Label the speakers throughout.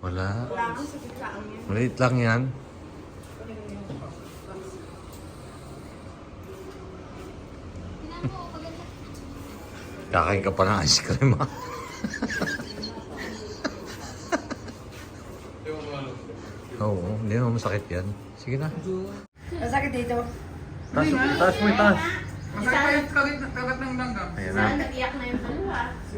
Speaker 1: Wala.
Speaker 2: Wala kang sakit lang yan.
Speaker 1: Maliit lang yan. Kakain ka pa ng ice cream, ha? Oo, hindi naman masakit yan. Sige na.
Speaker 2: Masakit dito.
Speaker 1: Taas mo, taas.
Speaker 3: Masakit kagat ng langgam.
Speaker 1: Ayan na.
Speaker 2: Saan nag-iyak na yung dalawa?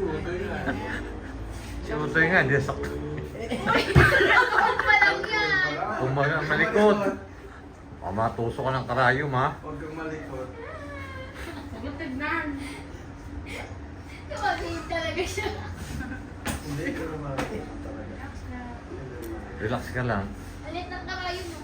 Speaker 1: Simutoy nga, hindi sakto.
Speaker 2: Nakakot pa lang yan.
Speaker 1: Kumaga, malikot. Baka matuso ka ng karayom, ha?
Speaker 3: Huwag kang malikot.
Speaker 2: Tignan. Tumagin talaga siya.
Speaker 3: Hindi ka lumalikot talaga.
Speaker 1: Relax ka lang.
Speaker 2: Alit ng karayo mo.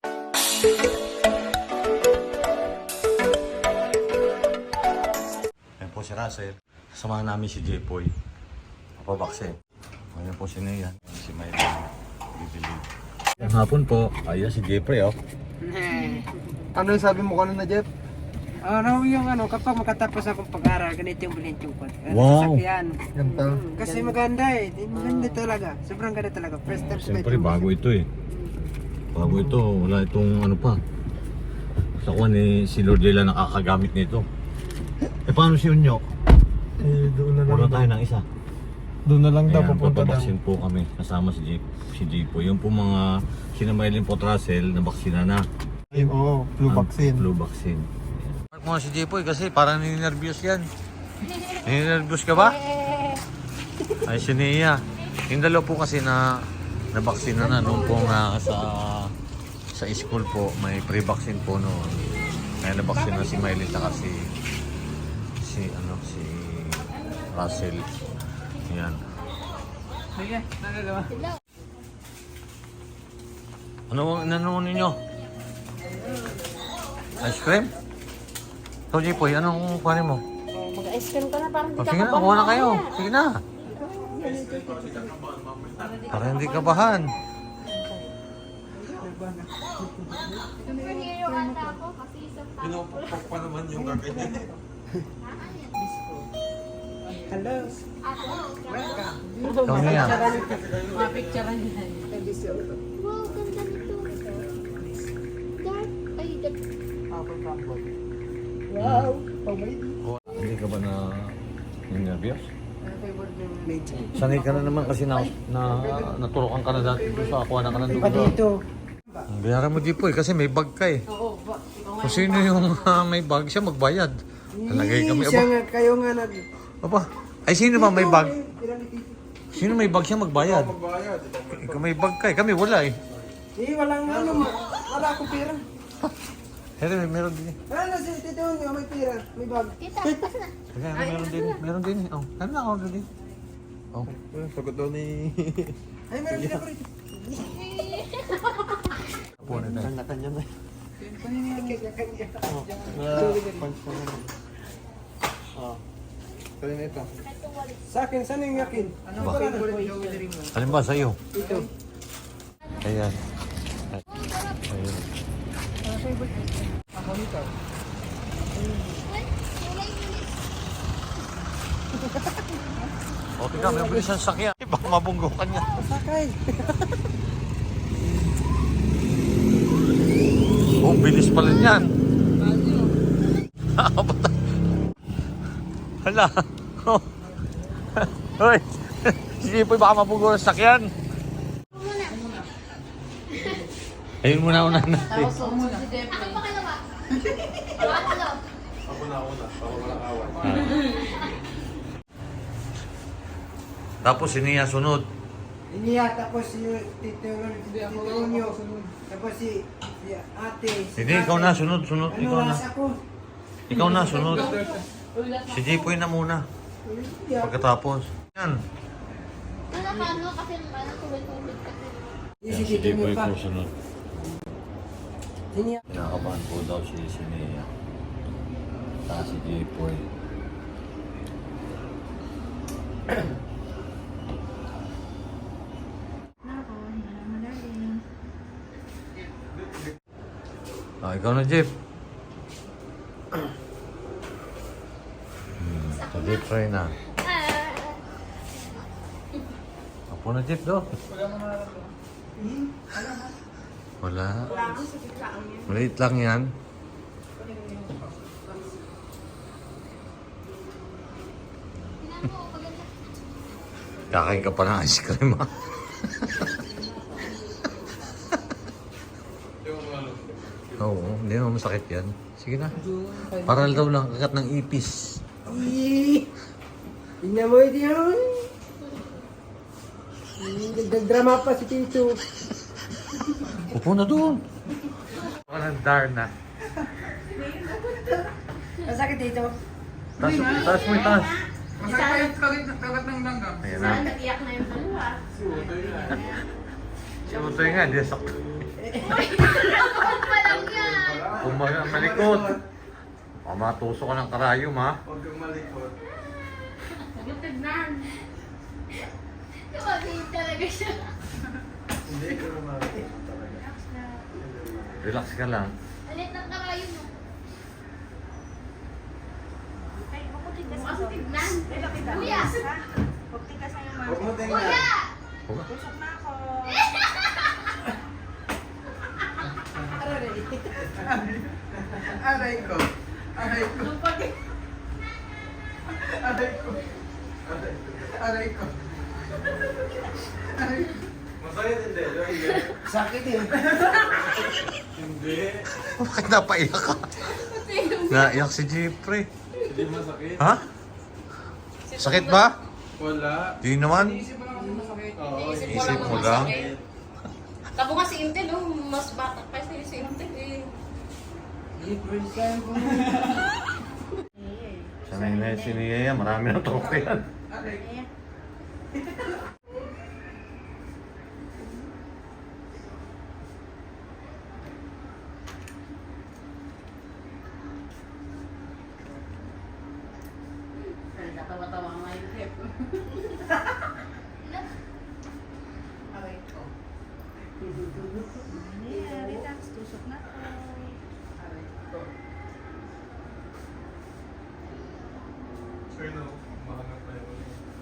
Speaker 1: Ayan po si Russell. Sasamahan namin si Jepoy. Papabaksin. Ayan po si Nea. Si Mayla. Bibili. Ang hapon po. Ayan si Jepoy, oh.
Speaker 3: Ano yung sabi mo kanina, Jeff?
Speaker 4: Ano yung kapag makatapos akong pag-aral, ganito yung bilhin ko.
Speaker 1: Wow.
Speaker 4: Sasakyan.
Speaker 3: Ganda.
Speaker 4: Kasi maganda eh. Maganda talaga. Sobrang ganda talaga. First time
Speaker 1: Siyempre, bago ito eh. Bago ito. Wala itong ano pa. Sa kuwan eh, si Lord Lela nakakagamit nito. Eh, paano si Unyo?
Speaker 3: Eh, doon na
Speaker 1: Wala tayo ng isa.
Speaker 3: Doon na lang daw
Speaker 1: Ayan,
Speaker 3: pupunta daw.
Speaker 1: papabaksin po kami. Kasama si Jepoy. Yung po mga sinamailin po Russell na baksina na.
Speaker 3: Ay, oo, flu
Speaker 1: Ang
Speaker 3: vaccine.
Speaker 1: Flu vaccine. Mark mo si Jepoy kasi parang nininervyos yan. Nininervyos ka ba? Ay, si Nia. Yung dalawa po kasi na nabaksina na noon po nga sa school po. May pre-vaccine po noon. Kaya nabaksina si Miley at si Russell. Yan.
Speaker 4: Sige, nagagawa.
Speaker 1: Ano ninyo? Ice cream? Ikaw, Jepoy, anong kuhanin mo?
Speaker 2: Mag-ice cream ka na parang
Speaker 1: Oh, sige na, kuha na kayo. Sige na. Para hindi kabahan.
Speaker 2: Superhero ata ako kasi isang tao.
Speaker 3: Pinupukpok pa naman yung kaganyan.
Speaker 4: Hello.
Speaker 2: Ako.
Speaker 4: Welcome.
Speaker 1: Ikaw niya.
Speaker 4: Mga picture niya.
Speaker 2: Wow, ganda nito. Dark. Ay, dark.
Speaker 4: Wow.
Speaker 1: Hindi ka ba na nervyos?
Speaker 4: Medyo.
Speaker 1: Sanay ka na naman kasi naturokan ka na dati doon sa akuha na ka na
Speaker 4: Pa
Speaker 1: doon.
Speaker 4: dito.
Speaker 1: Bayaran mo, Jepoy, kasi may bag ka eh.
Speaker 4: Oo.
Speaker 1: Kung sino yung may bag, siya magbayad. Talagay kami.
Speaker 4: Siya
Speaker 1: Aba,
Speaker 4: nga, kayo nga nag...
Speaker 1: aba. Ay, sino ba may bag?
Speaker 4: Pinalitito.
Speaker 1: Sino may bag siya magbayad?
Speaker 3: Magbayad.
Speaker 1: Ikaw may bag ka eh. Kami wala eh.
Speaker 4: Walang wala akong pera.
Speaker 1: Pero meron din eh.
Speaker 4: Ano si Tito niyo, may pera, may bag.
Speaker 2: Tita, basta na.
Speaker 1: Kaya meron din eh. Meron din eh. Oh, ano na ako din. Oh.
Speaker 3: Sagot daw ni...
Speaker 4: Ay, meron din ako rito.
Speaker 1: Apo na tayo.
Speaker 3: Kanya-kanya na.
Speaker 4: Kanya-kanya.
Speaker 3: Punch na naman. Oh. Kaya na ito.
Speaker 4: Sa akin, saan yung yakin? Ano
Speaker 1: Ba?
Speaker 4: ba favorite mo?
Speaker 1: Alin ba sa'yo?
Speaker 4: Ito.
Speaker 1: Ayan. Ayan.
Speaker 4: Ako nito.
Speaker 1: Okay ka, may bilis ang sakyan. Baka mabunggo ka niya.
Speaker 4: Sakay.
Speaker 1: Oh, bilis pala niyan. Hala. Oh. Hoy. Sige po, baka mabunggo ang sakyan. Ayun muna natin.
Speaker 2: Ako pa kalawa. Ako.
Speaker 3: Ako na una, para walang away.
Speaker 1: Tapos si Nia sunod.
Speaker 4: Iniya, tapos si Tito Ronyo. Tapos si ate.
Speaker 1: Hindi, ikaw na, sunod.
Speaker 4: Ano,
Speaker 1: Ikaw na.
Speaker 4: last ako.
Speaker 1: Ikaw na, sunod. Si Jepoy na muna. Pagkatapos. Yan.
Speaker 2: Wala ka ano kasi tubig-tubig kasi.
Speaker 4: Si Tito pa.
Speaker 1: sunod.
Speaker 4: Iniya.
Speaker 1: Kinakabahan po daw si Nia. Saka si Jepoy. Ikaw na, Jeff. So, Jeff, try na. Apo na, Jeff, do. Wala. Maliit lang yan. Kakain ka pa ng ice cream ha. Oo, hindi naman masakit yan. Sige na. Para daw lang kagat ng ipis.
Speaker 4: Tingnan mo ito yun. Nagdrama pa si Tito.
Speaker 1: Upo na doon. Walang Darna.
Speaker 4: Masakit dito.
Speaker 1: Taas mo yung taas.
Speaker 3: Kagat ng langgam.
Speaker 1: Ayan na.
Speaker 2: Saan nag-iyak na yung dalawa?
Speaker 1: Si Utoy nga, hindi sakto.
Speaker 2: Kapag pa lang yan!
Speaker 1: Kung malikot. O, matuso ka ng karayom ha.
Speaker 3: Huwag kang malikot.
Speaker 2: Yung tignan. Tumagin talaga siya.
Speaker 3: Hindi ka na malikot talaga.
Speaker 1: Relax ka lang.
Speaker 2: Alit ng karayo mo. Bukas sa tignan. Kuya!
Speaker 3: Huwag mo tingnan.
Speaker 2: Kuya!
Speaker 3: Aray ko. Aray ko. Aray ko. Aray ko. Aray ko. Masakit hindi.
Speaker 4: Sakit eh.
Speaker 3: Hindi.
Speaker 1: Bakit napaiyak ka? Naiyak si Jeffrey.
Speaker 3: Hindi masakit.
Speaker 1: Ha? Sakit ba?
Speaker 3: Wala.
Speaker 1: Di naman.
Speaker 3: Oo,
Speaker 1: Isip mo lang.
Speaker 2: Tabo nga si Intel, oh, mas bata pa si Intel eh.
Speaker 1: Sanay na si Nia, marami na troke yan.
Speaker 2: Natawa-tawa nga yung hip.
Speaker 5: Relax, tusok na po.
Speaker 3: Sure no. Mahanap na yun.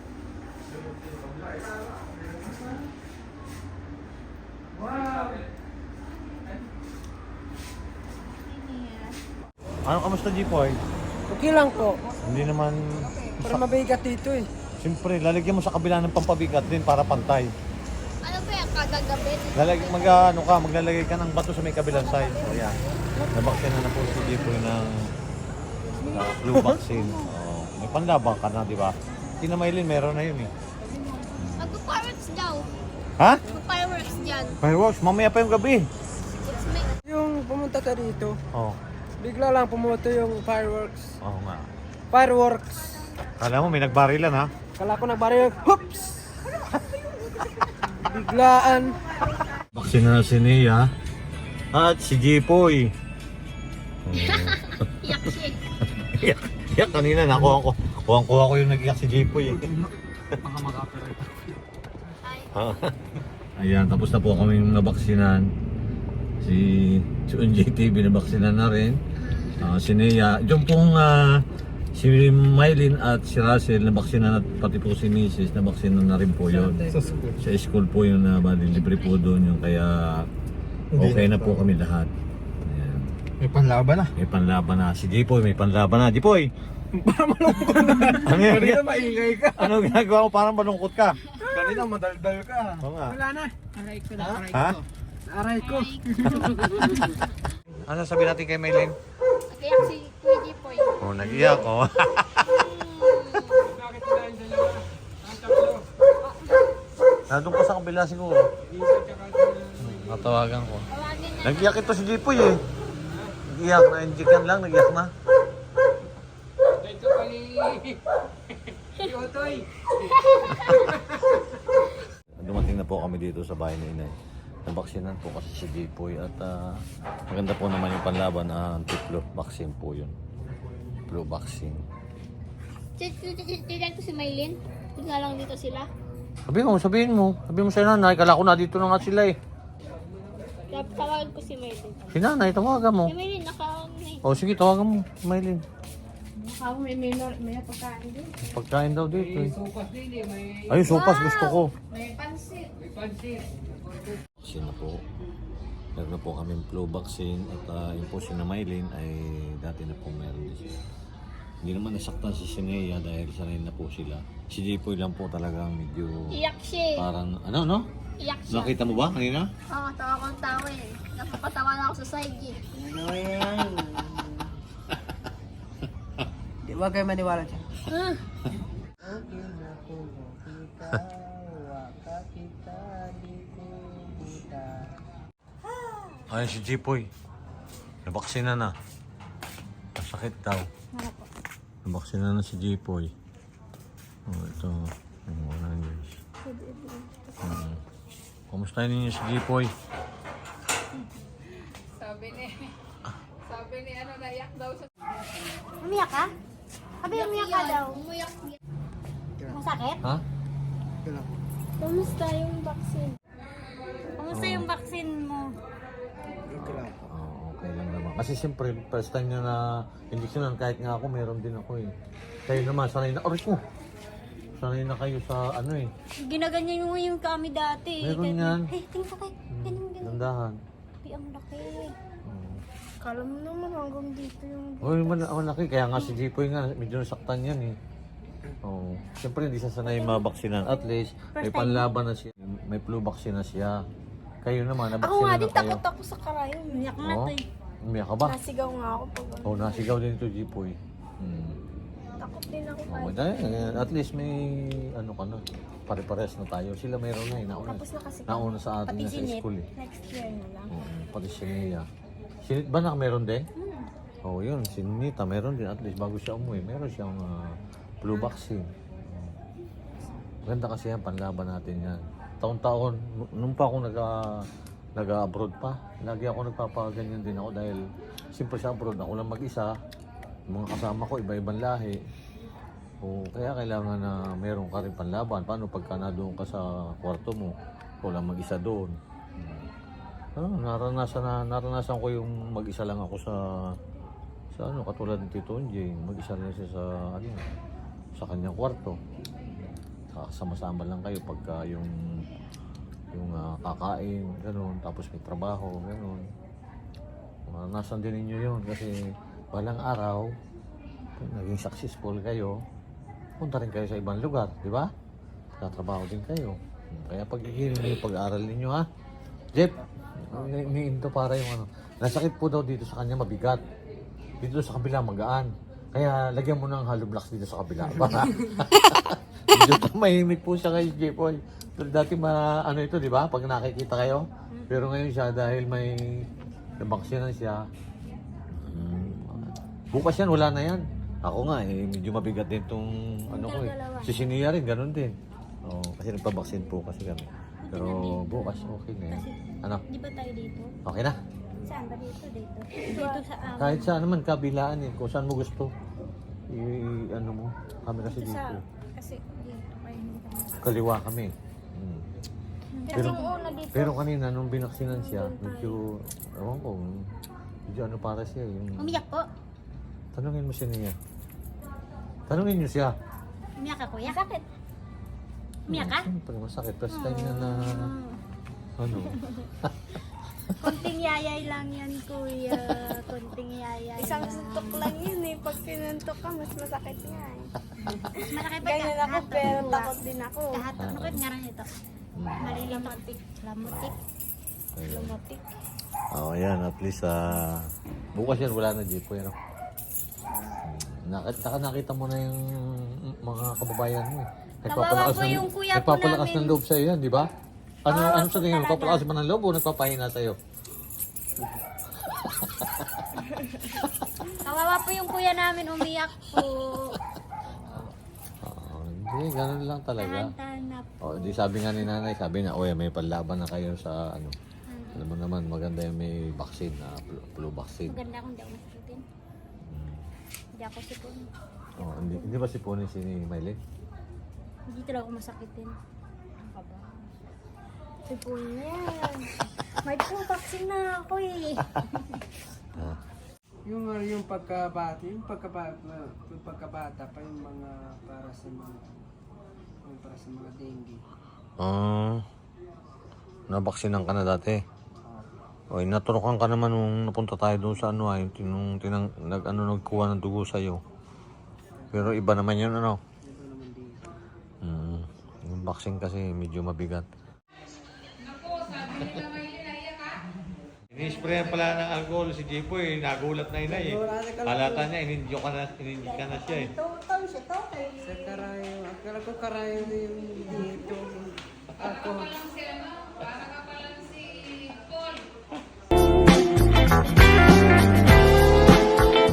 Speaker 1: Ano, kamusta Jipoy?
Speaker 4: Okay lang po.
Speaker 1: Hindi naman...
Speaker 4: Para mabigat dito eh.
Speaker 1: Siyempre, lalagyan mo sa kabila ng pampabigat din para pantay.
Speaker 2: Ano ba yung kagagabit?
Speaker 1: Maglalagay ka ng bato sa may kabilang side. O yan. Nabaksin na po si Jipoy ng flu vaccine. Oh, may panlabang ka na, di ba? Si Maylin, meron na yun eh.
Speaker 2: Magpa-fireworks daw.
Speaker 1: Ha?
Speaker 2: Magpa-fireworks dyan.
Speaker 1: Fireworks, mamaya pa yung gabi.
Speaker 2: It's me.
Speaker 4: Yung pumunta ka dito,
Speaker 1: Oh,
Speaker 4: bigla lang pumuto yung fireworks.
Speaker 1: oo nga.
Speaker 4: Fireworks.
Speaker 1: Kala mo may nagbarilan ha?
Speaker 4: Kala ko nagbaril. Hoops! Biglaan.
Speaker 1: Baksin na si Nia at si Jipoy.
Speaker 2: Iyak siya eh.
Speaker 1: Iyak kanina nakuha ko. Kuha ko yung nag-iyak si Jipoy. Ayan, tapos na po kami nabaksinan. Si UNJTV nabaksinan na rin. Si Nia. Yung pong si Maylin at si Russell nabaksinan at pati po si Mrs. nabaksinan na rin po yun. Sa school po yun na libre po doon yung kaya okay na po kami lahat. Ayan.
Speaker 3: May panlaban na.
Speaker 1: May panlaban na. Si Jipoy may panlaban na. Jipoy!
Speaker 3: Parang malungkot na.
Speaker 1: Ano yan?
Speaker 3: Kanina maingay ka.
Speaker 1: Ano ginagawa mo? Parang malungkot ka.
Speaker 3: Kanina madaldal ka.
Speaker 1: Oo nga.
Speaker 4: Wala na. Aray ko na. Aray
Speaker 1: Ha?
Speaker 4: ko. Aray ko.
Speaker 1: Ano sabi natin kay Maylin?
Speaker 2: Kaya si Kuya Jipoy.
Speaker 1: Oh, nag-iyak oh. Nandun pa sa kabila siguro. Natawagan ko.
Speaker 2: Tawagin na.
Speaker 1: Nag-iyak ito si Jipoy eh. Nag-iyak na, injikan lang, nag-iyak na.
Speaker 4: Ito pali. Si Otoy.
Speaker 1: Dumating na po kami dito sa bahay ni Inay. Nabaksinan po kasi si Jipoy at maganda po naman yung panlaban na anti-flu vaccine po yun. Flu vaccine.
Speaker 2: Titignan ko si Maylin. Tignan lang dito sila.
Speaker 1: Sabihin mo sa nanay, kala ko na dito na nga sila eh.
Speaker 2: Tawagan ko si Maylin.
Speaker 1: Si nanay, tawagan mo.
Speaker 2: Si Maylin, naka-on na eh.
Speaker 1: O sige, tawagan mo, Maylin.
Speaker 5: Ako may pagkain din.
Speaker 1: Pagkain daw dito
Speaker 4: May
Speaker 1: eh.
Speaker 4: sukas din eh. May
Speaker 1: Ay, sopas gusto ko.
Speaker 5: May pansit.
Speaker 4: pansit.
Speaker 1: Vaccine na po. Meron na po kami flu vaccine at yung po si na Mylene ay dati na po meron din siya. Hindi naman nasaktan si Sinea dahil sanay na po sila. Si Jipoy lang po talagang medyo
Speaker 5: Iyak siya.
Speaker 1: parang ano no?
Speaker 5: Iyak siya.
Speaker 1: Nakita mo ba kanina?
Speaker 5: Oo, tawa kong tawa eh. Napapatawa na ako sa side eh.
Speaker 4: Ano yan? Di ba kayo maniwala dyan?
Speaker 5: Ah.
Speaker 4: Okay na po kita, waka kita, di ko kita.
Speaker 1: Ayun si Jipoy. Nabaksina na. Masakit daw.
Speaker 5: Ano po?
Speaker 1: Nabaksina na si Jipoy. Oh, ito. Wala guys. Kumusta ninyo si Jipoy?
Speaker 2: Sabi ni ano, naiyak daw siya.
Speaker 5: Umiyak ka? Sabi umiyak ka daw. Umiyak. Masakit?
Speaker 1: Ha?
Speaker 4: Ito lang.
Speaker 5: Kumusta yung vaccine? Kumusta yung vaccine mo?
Speaker 4: Ito lang po.
Speaker 1: Oh, okay lang naman. Kasi siyempre, first time nyo na injeksyonan, kahit nga ako, meron din ako eh. Kayo naman, sanay na, aray ko! Sanay na kayo sa ano eh.
Speaker 5: Ginaganyan mo yung kami dati.
Speaker 1: Meron yan.
Speaker 5: Hey, tingnan ko kay. Ganun.
Speaker 1: Dandahan.
Speaker 5: Ay, ang laki. Kala mo naman hanggang dito yung...
Speaker 1: Uy, malaki. Kaya nga si Jipoy nga, medyo nasaktan yan eh. Oo. Siyempre, hindi siya sanay mabaksinan. At least, may panlaban na siya. May flu vaccine na siya. Kayo naman,
Speaker 5: Ako
Speaker 1: nabaksina
Speaker 5: nga
Speaker 1: na
Speaker 5: din,
Speaker 1: kayo.
Speaker 5: takot ako sa karayo. Umiyak na
Speaker 1: Oo.
Speaker 5: to eh.
Speaker 1: Umiyak ka ba?
Speaker 5: Nasigaw nga ako pag
Speaker 1: Oo, nasigaw din ito, Jipoy.
Speaker 5: takot din ako.
Speaker 1: Oo, dahil, at least may ano ka na. Pare-pares na tayo. Sila mayroon na eh. Nauna,
Speaker 5: Tapos na kasi.
Speaker 1: nauna sa atin
Speaker 5: Pati
Speaker 1: na sa
Speaker 5: sinit,
Speaker 1: school eh.
Speaker 5: next year na lang.
Speaker 1: Oo, pati si Nia. Sinit ba na meron din? Oo, yun. Si Nita meron din. At least bago siya umuwi, meron siyang flu vaccine. Maganda kasi yan, panlaban natin yan. Taon-taon, nung pa ako nag-abroad pa, lagi ako nagpapaganyan din ako dahil simple sa abroad, ako lang mag-isa. Yung mga kasama ko, iba-ibang lahi. O, kaya kailangan na meron ka rin panlaban. Paano pagka na doon ka sa kwarto mo, ikaw lang mag-isa doon. Naranasan ko yung mag-isa lang ako sa ano, katulad ni Tito Jane, mag-isa lang siya sa kanyang kwarto. Kakasama-sama lang kayo pagka yung kakain, gano'n, tapos may trabaho, gano'n. Naranasan din ninyo yun kasi walang araw, kung naging successful kayo, punta rin kayo sa ibang lugar, di ba? Tatrabaho din kayo. Kaya pag-ihirin niyo yung pag-aaral ninyo, ha? Jeff, iniinto para yung ano. Nasakit po daw dito sa kanya mabigat. Dito sa kabila magaan. Kaya lagyan mo ng hollow blocks dito sa kabila. Medyo mahimik po siya kay Jepoy. Pero dati ano ito, di ba? Pag nakikita kayo. Pero ngayon siya dahil may nabaksinan siya. Bukas yan, wala na yan. Ako nga medyo mabigat din tong ano ko eh. Si Sinia rin, ganun din. Oh, kasi nagpabaksin po kasi kami. Pero bukas okay na yan. Ano?
Speaker 5: Di ba tayo dito?
Speaker 1: Okay na?
Speaker 5: Saan ba dito? Dito sa
Speaker 1: Kahit saan naman, kabilaan eh. Kung saan mo gusto. Ano mo, kami kasi dito.
Speaker 5: Kasi dito kayo hindi kami.
Speaker 1: Kaliwa kami.
Speaker 5: Kasi yung una dito.
Speaker 1: Pero kanina, nung binaksinan siya, medyo, ewan ko, medyo ano para siya.
Speaker 5: Umiyak po.
Speaker 1: Tanungin mo siya niya. Tanungin niyo siya.
Speaker 5: Umiyak ka kuya? Sakit. Umiyak ka?
Speaker 1: Siyempre, masakit. First time niya na, ano.
Speaker 5: Konting yayay lang yan kuya. Konting yayay.
Speaker 6: Isang suntok lang yun eh. Pag sinuntok ka, mas masakit nga eh.
Speaker 5: Mas malaki pa
Speaker 6: Ganyan ako, pero takot din ako.
Speaker 5: Kahatok. Ano kayo nga rin ito? Malilimutik. Lamutik.
Speaker 1: Ayun.
Speaker 6: Lumatik.
Speaker 1: Oh, yan. At least, bukas yan, wala na jeep ko yan. Nakita mo na yung mga kababayan mo eh.
Speaker 5: Kawawa po yung kuya po
Speaker 1: nagpapalakas
Speaker 5: namin.
Speaker 1: ng loob sa'yo yan, di ba? Ano sa tingin mo? Nagpapalakas ba ng loob o nagpapahina sa'yo?
Speaker 5: Kawawa po yung kuya namin. Umiyak po.
Speaker 1: Hindi, ganun lang talaga.
Speaker 5: Tahan na po.
Speaker 1: Oh, di sabi nga ni nanay, sabi na, oy, may panlaban na kayo sa ano. Alam mo naman, maganda yung may vaccine, flu vaccine.
Speaker 5: Maganda kung di ako nasiputin. Hindi ako sipon.
Speaker 1: Oh, hindi ba sipunin si Mylene?
Speaker 5: Hindi talaga ako masakitin. Ang kaba.
Speaker 6: Sipon na yan.
Speaker 5: May po vaccine na ako eh.
Speaker 4: Yung pagkabata, yung pagkabata pa yung mga para sa mga dengue.
Speaker 1: nabaksinan ka na dati. O, naturukan ka naman nung napunta tayo doon sa ano ay, nagkuha ng dugo sa'yo. Pero iba naman yun, ano? Yung vaccine kasi medyo mabigat. Ini-sprayan pala ng alcohol si Jipoy, nagulat na inay eh. Halata niya, ininjyo ka na siya eh.
Speaker 4: Sa karayo, akala ko karayo na yung dito. Ako.